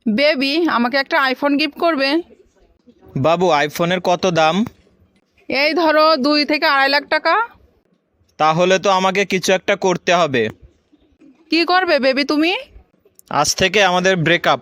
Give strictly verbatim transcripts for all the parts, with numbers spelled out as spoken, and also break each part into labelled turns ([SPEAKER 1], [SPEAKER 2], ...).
[SPEAKER 1] Baby, আমাকে একটা iPhone gift করবে?
[SPEAKER 2] বাবু, আইফোনের কত দাম?
[SPEAKER 1] এই ধরো দুই থেকে আড়াই লাখ টাকা।
[SPEAKER 2] তাহলে তো আমাকে কিছু একটা করতে হবে।
[SPEAKER 1] কি করবে বেবি তুমি?
[SPEAKER 2] আজ থেকে আমাদের ব্রেকআপ।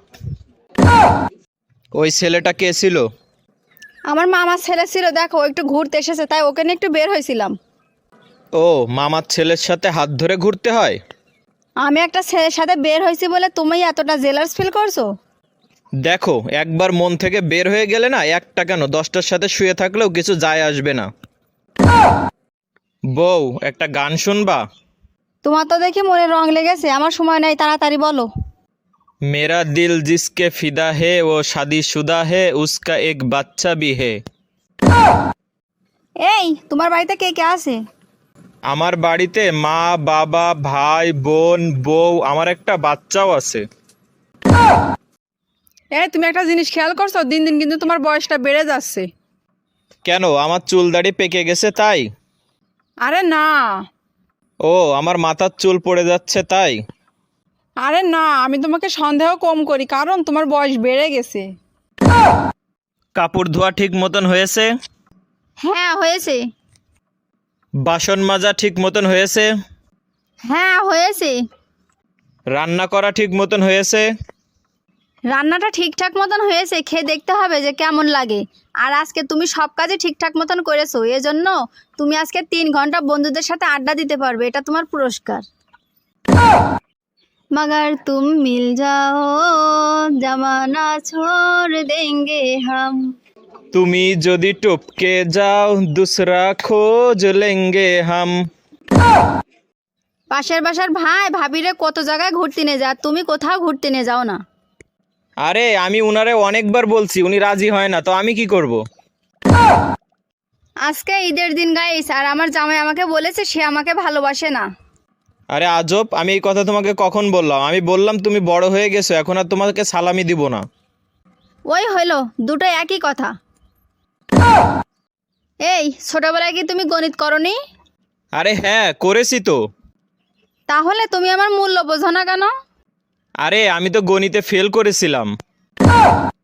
[SPEAKER 2] ওই ছেলেটা কে ছিল?
[SPEAKER 3] আমার মামার ছেলে ছিল, দেখো ও একটু ঘুরতে এসেছে, তাই ওকে নিয়ে একটু বের হয়েছিলাম।
[SPEAKER 2] ও, মামার ছেলের সাথে হাত ধরে ঘুরতে হয়?
[SPEAKER 3] আমি একটা ছেলের সাথে বের হয়েছি বলে তুমি এতটা জেলাস ফিল করছো?
[SPEAKER 2] দেখো, একবার মন থেকে বের হয়ে গেলে না, একটা কেন দশটার সাথে শুয়ে থাকলেও কিছু যায় আসবে না। বউ, একটা গান শুনবা?
[SPEAKER 3] তোমার তো দেখি মনে রং লেগেছে, আমার সময় নাই, তাড়াতাড়ি বলো।
[SPEAKER 2] मेरा दिल जिसके फिदा है वो शादीशुदा है उसका एक বাচ্চা भी है।
[SPEAKER 3] এই তোমার বাড়িতে কে কে আছে?
[SPEAKER 2] আমার বাড়িতে মা, বাবা, ভাই, বোন, বউ, আমার একটা বাচ্চাও আছে।
[SPEAKER 1] এই তুমি একটা জিনিস খেয়াল করছো, দিন দিন কিন্তু তোমার বয়সটা বেড়ে যাচ্ছে।
[SPEAKER 2] কেন, আমার চুল দাড়ি পেকে গেছে তাই?
[SPEAKER 1] আরে না।
[SPEAKER 2] ও, আমার মাথার চুল পড়ে যাচ্ছে তাই?
[SPEAKER 1] আরে না, আমি তোমাকে সন্দেহ কম করি, কারণ তোমার বয়স বেড়ে গেছে।
[SPEAKER 2] কাপড় ধোয়া ঠিক মতন হয়েছে?
[SPEAKER 3] হ্যাঁ হয়েছে।
[SPEAKER 2] বাসন মাজা ঠিক মতন হয়েছে?
[SPEAKER 3] হ্যাঁ হয়েছে।
[SPEAKER 2] রান্না করা ঠিক মতন হয়েছে?
[SPEAKER 3] রান্নাটা ঠিকঠাক মতন হয়েছে, খেয়ে দেখতে হবে যে কেমন লাগে। আর আজকে তুমি সব কাজই ঠিকঠাক মতন করেছো, এজন্য তুমি আজকে তিন ঘন্টা বন্ধুদের সাথে আড্ডা দিতে পারবে, এটা তোমার পুরস্কার। मगर तुम मिल जाओ जमाना छोड़ देंगे हम।
[SPEAKER 2] তুমি যদি টপকে যাও দুসরা খোঁজ লেঙ্গে হাম।
[SPEAKER 3] পাশের বাসার ভাই ভাবিরে কত জায়গায় ঘুরতে নিয়ে যা, তুমি কোথাও ঘুরতে নিয়ে যাও না।
[SPEAKER 2] আরে, আমি উনারে অনেকবার বলছি, উনি রাজি হয় না, তো আমি কি করব?
[SPEAKER 3] আজকে ঈদের দিন গাইস, আর আমার জামাই আমাকে বলেছে সে আমাকে ভালোবাসে না।
[SPEAKER 2] আরে আজব, আমি এই কথা তোমাকে কখন বললাম? আমি বললাম তুমি বড় হয়ে গেছো, এখন আর তোমাকে সালামি দিব না।
[SPEAKER 3] ওই হইলো, দুটো একই কথা। এই ছোটবেলায় কি তুমি গণিত করনি?
[SPEAKER 2] আরে হ্যাঁ, করেছি তো।
[SPEAKER 3] তাহলে তুমি আমার মূল্য বোঝো না কেন?
[SPEAKER 2] আরে, আমি তো গণিতে ফেল করেছিলাম।